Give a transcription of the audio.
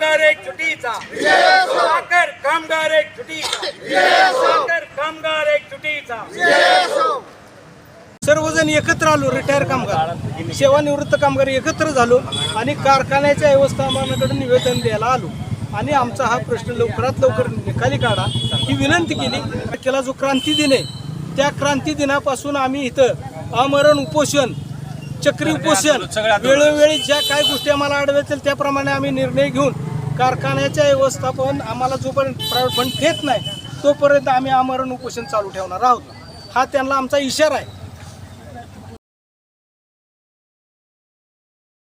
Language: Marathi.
कामगार एकजुटीचा, साखर कामगार एकजुटीचा, साखर कामगार एकजुटीचा. सर्वजण एकत्र आलो, रिटायर कामगार, सेवानिवृत्त कामगार एकत्र झालो आणि कारखान्याच्या व्यवस्थापनाकडे निवेदन द्यायला आलो आणि आमचा हा प्रश्न लवकरात लवकर निकाली काढा ही विनंती केली. केला जो क्रांती दिन आहे त्या क्रांती दिनापासून आम्ही इथं आमरण उपोषण, चक्री उपोषण, वेळोवेळी ज्या काही गोष्टी आम्हाला आढळतील त्याप्रमाणे आम्ही निर्णय घेऊन कारखान्याच्या व्यवस्थापन आम्हाला जोपर्यंत प्रायव्हेट फंड देत नाही तोपर्यंत आम्ही आमरण उपोषण चालू ठेवणार आहोत. हा त्यांना आमचा इशारा आहे.